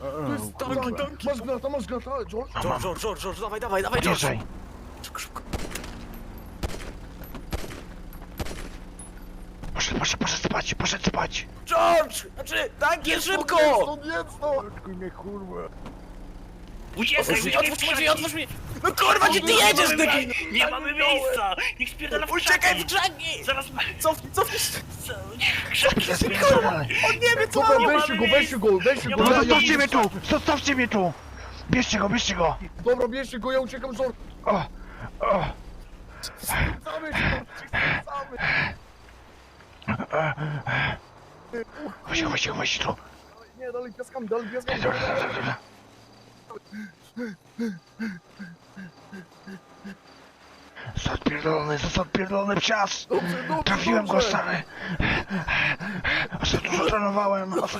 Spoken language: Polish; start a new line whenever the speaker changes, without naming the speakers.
To jest tanki. Masz gnata, George?
George, dawaj, George.
Bierzej.
Szybko.
Poszedł spać.
George! Znaczy, tanki, szybko!
Jedz to! Odkuj mnie, kurwa.
Otwórz mi! No kurwa, gdzie ty jedziesz, debil?
Nie mamy miejsca! Niech spierdala w
Uciekaj w
krzaki!
krzaki!
Zaraz...
Cofnij!
Krzaki się spierdala!
On nie wie, co
Dobra,
robi!
weźcie go!
No zostawcie mnie tu! Bierzcie go!
Dobra, bierzcie go, ja uciekam, George. Samy się,
Chodź tu!
Nie, dalej piaskami.
Został odpierdolony psias!
Dobrze.
Trafiłem go, stary! Za dużo trenowałem!